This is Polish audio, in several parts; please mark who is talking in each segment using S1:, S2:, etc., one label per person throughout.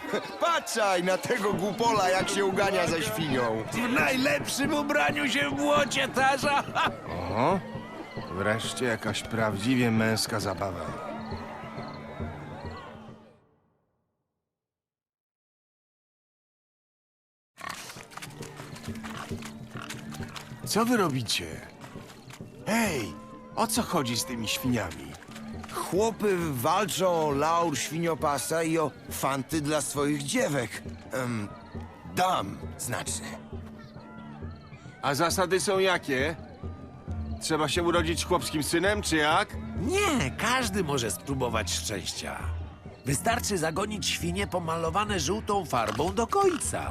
S1: Patrzaj na tego głupola, jak się ugania za świnią.
S2: W najlepszym ubraniu się w błocie tarza.
S3: O, wreszcie jakaś prawdziwie męska zabawa. Co wy robicie? Hej, o co chodzi z tymi świniami?
S1: Chłopy walczą o laur świniopasa i o fanty dla swoich dziewek. Dam, znaczy.
S3: A zasady są jakie? Trzeba się urodzić chłopskim synem, czy jak?
S2: Nie, każdy może spróbować szczęścia. Wystarczy zagonić świnie pomalowane żółtą farbą do końca.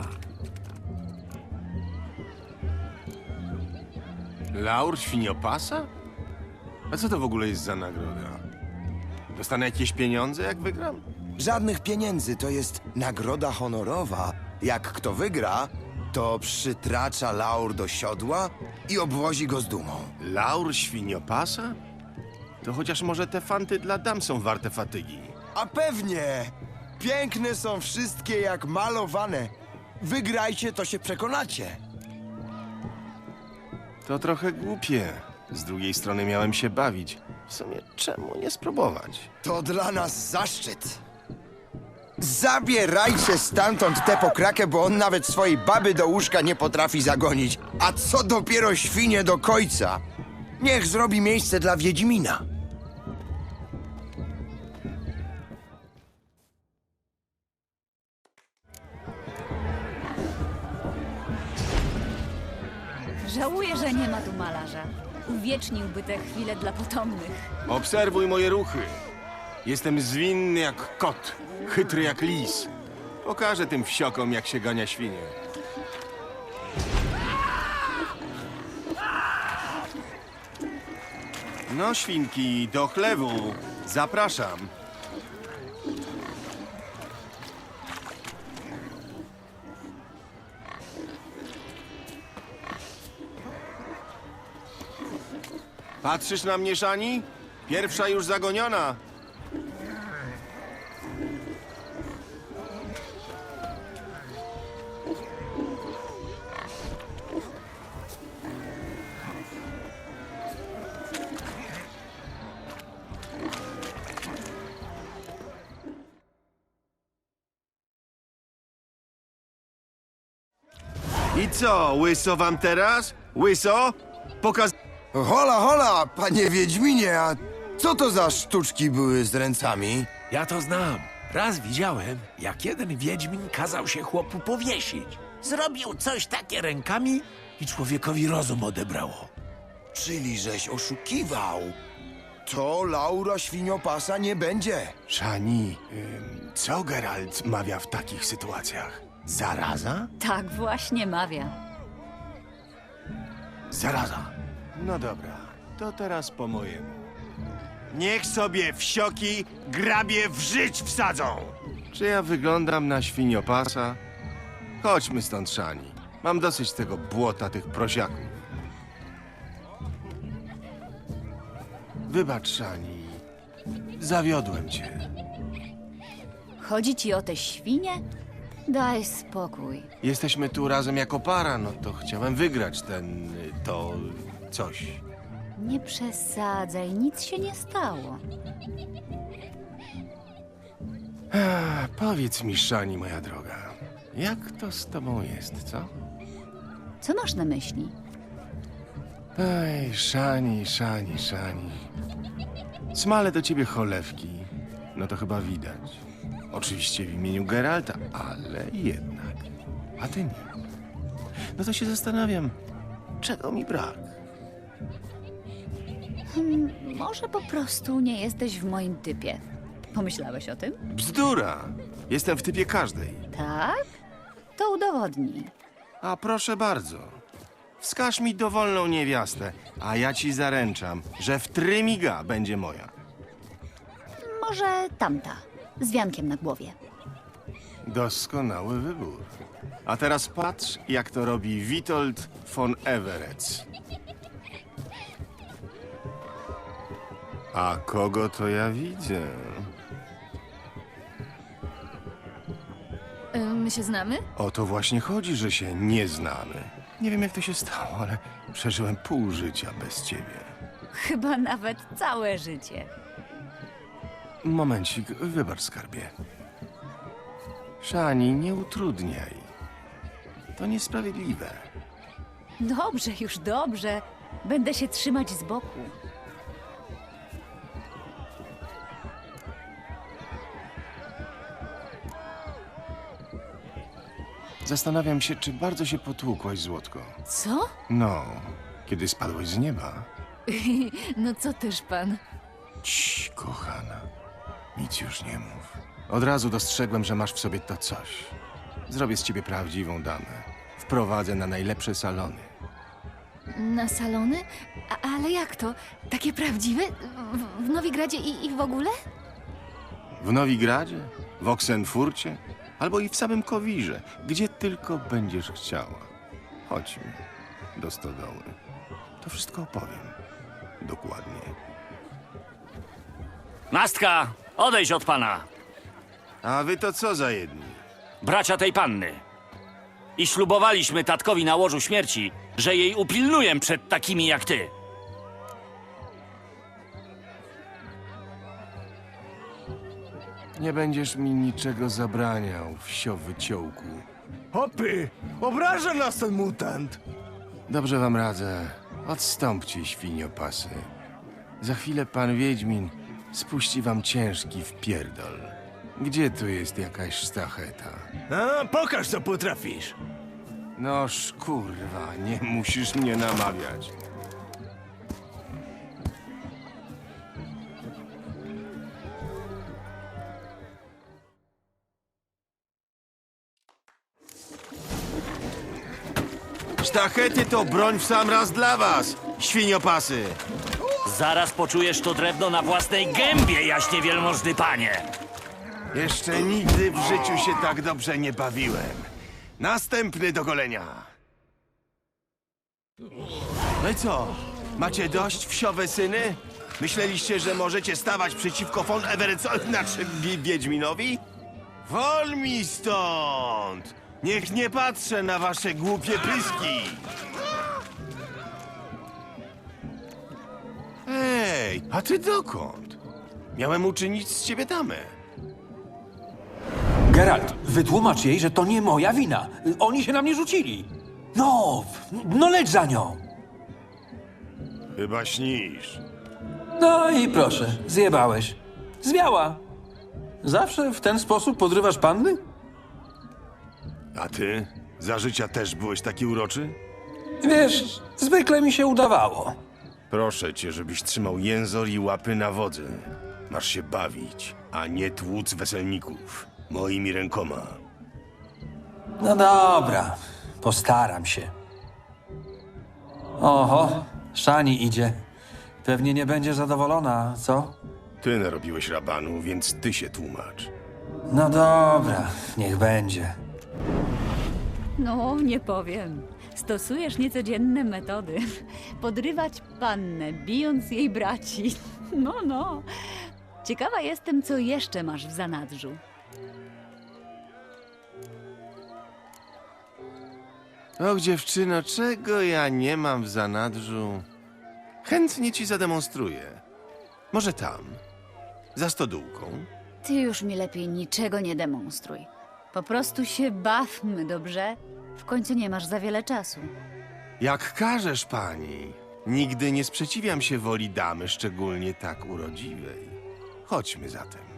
S3: Laur świniopasa? A co to w ogóle jest za nagroda? Dostanę jakieś pieniądze, jak wygram?
S1: Żadnych pieniędzy, to jest nagroda honorowa. Jak kto wygra, to przytracza laur do siodła i obwozi go z dumą.
S3: Laur świniopasa? To chociaż może te fanty dla dam są warte fatygi.
S1: A pewnie! Piękne są wszystkie jak malowane. Wygrajcie, to się przekonacie.
S3: To trochę głupie. Z drugiej strony miałem się bawić. W sumie czemu nie spróbować?
S1: To dla nas zaszczyt. Zabierajcie stamtąd tę pokrakę, bo on nawet swojej baby do łóżka nie potrafi zagonić. A co dopiero świnie do końca? Niech zrobi miejsce dla Wiedźmina.
S4: Żałuję, że nie ma tu malarza. Uwieczniłby te chwile dla potomnych.
S3: Obserwuj moje ruchy. Jestem zwinny jak kot, chytry jak lis. Pokażę tym wsiokom, jak się gania świnie. No, świnki, do chlewu. Zapraszam. Patrzysz na mnie, Szani? Pierwsza już zagoniona. I co, łyso wam teraz? Łyso?
S1: Hola, hola, panie Wiedźminie, a co to za sztuczki były z ręcami?
S2: Ja to znam. Raz widziałem, jak jeden wiedźmin kazał się chłopu powiesić. Zrobił coś takie rękami i człowiekowi rozum odebrało.
S1: Czyli żeś oszukiwał. To Laura świniopasa nie będzie.
S3: Szani, co Geralt mawia w takich sytuacjach? Zaraza?
S4: Tak właśnie mawia.
S3: Zaraza. No dobra, to teraz po mojemu. Niech sobie wsioki grabie w żyć wsadzą! Czy ja wyglądam na świniopasa? Chodźmy stąd, Szani. Mam dosyć tego błota, tych prosiaków. Wybacz, Szani. Zawiodłem cię.
S4: Chodzi ci o te świnie? Daj spokój.
S3: Jesteśmy tu razem jako para, no to chciałem wygrać to coś.
S4: Nie przesadzaj, nic się nie stało.
S3: Powiedz mi, Szani, moja droga, jak to z tobą jest, co?
S4: Co masz na myśli?
S3: Ej, Szani. Smale do ciebie cholewki. No to chyba widać. Oczywiście w imieniu Geralta, ale jednak. A ty nie. No to się zastanawiam, czego mi brak?
S4: Może po prostu nie jesteś w moim typie. Pomyślałeś o tym?
S3: Bzdura! Jestem w typie każdej.
S4: Tak? To udowodnij.
S3: A proszę bardzo. Wskaż mi dowolną niewiastę, a ja ci zaręczam, że w trymiga będzie moja.
S4: Może tamta, z wiankiem na głowie.
S3: Doskonały wybór. A teraz patrz, jak to robi Witold von Everec. A kogo to ja widzę?
S4: My się znamy?
S3: O to właśnie chodzi, że się nie znamy. Nie wiem, jak to się stało, ale przeżyłem pół życia bez ciebie.
S4: Chyba nawet całe życie.
S3: Momencik, wybacz, skarbie. Szani, nie utrudniaj. To niesprawiedliwe.
S4: Dobrze, już dobrze. Będę się trzymać z boku.
S3: Zastanawiam się, czy bardzo się potłukłaś, Złotko.
S4: Co?
S3: No, kiedy spadłeś z nieba.
S4: No co też pan?
S3: Cii, kochana. Nic już nie mów. Od razu dostrzegłem, że masz w sobie to coś. Zrobię z ciebie prawdziwą damę. Wprowadzę na najlepsze salony.
S4: Na salony? Ale jak to? Takie prawdziwe? W Nowigradzie i w ogóle?
S3: W Nowigradzie? W Oksenfurcie? Albo i w samym Kowirze. Gdzie tylko będziesz chciała. Chodźmy do stodoły. To wszystko opowiem. Dokładnie.
S5: Nastka, odejdź od pana,
S3: A wy to co za jedni?
S5: bracia tej panny. I ślubowaliśmy tatkowi na łożu śmierci, że jej upilnuję przed takimi jak ty.
S3: Nie będziesz mi niczego zabraniał, wsio wyciołku.
S6: Hopy! Obraża nas ten mutant!
S3: Dobrze wam radzę. Odstąpcie, świniopasy. Za chwilę pan Wiedźmin spuści wam ciężki wpierdol. Gdzie tu jest jakaś sztacheta?
S6: A, pokaż, co potrafisz!
S3: Noż kurwa, nie musisz mnie namawiać. Sztachety to broń w sam raz dla was, świniopasy!
S5: Zaraz poczujesz to drewno na własnej gębie, jaśnie wielmożny panie.
S3: Jeszcze nigdy w życiu się tak dobrze nie bawiłem. Następny do golenia. No i co? Macie dość, wsiowe syny? Myśleliście, że możecie stawać przeciwko von Everetsowi, znaczy Wiedźminowi? Wol mi stąd! Niech nie patrzę na wasze głupie pyski! Ej, a ty dokąd? Miałem uczynić z ciebie damę.
S7: Geralt, wytłumacz jej, że to nie moja wina. Oni się na mnie rzucili. No leć za nią.
S3: Chyba śnisz.
S7: No i proszę, zjebałeś. Zwiała. Zawsze w ten sposób podrywasz panny?
S3: A ty? Za życia też byłeś taki uroczy?
S7: Wiesz, zwykle mi się udawało.
S3: Proszę cię, żebyś trzymał jęzor i łapy na wodzy. Masz się bawić, a nie tłuc weselników. Moimi rękoma.
S7: No dobra, postaram się. Oho, Szani idzie. Pewnie nie będzie zadowolona, co?
S3: Ty narobiłeś rabanu, więc ty się tłumacz.
S7: No dobra, niech będzie.
S4: No, nie powiem. Stosujesz niecodzienne metody. Podrywać pannę, bijąc jej braci. No. Ciekawa jestem, co jeszcze masz w zanadrzu.
S3: Och, dziewczyno, czego ja nie mam w zanadrzu? Chętnie ci zademonstruję. Może tam, za stodółką.
S4: Ty już mi lepiej niczego nie demonstruj. Po prostu się bawmy, dobrze? W końcu nie masz za wiele czasu.
S3: Jak każesz, pani. Nigdy nie sprzeciwiam się woli damy, szczególnie tak urodziwej. Chodźmy zatem.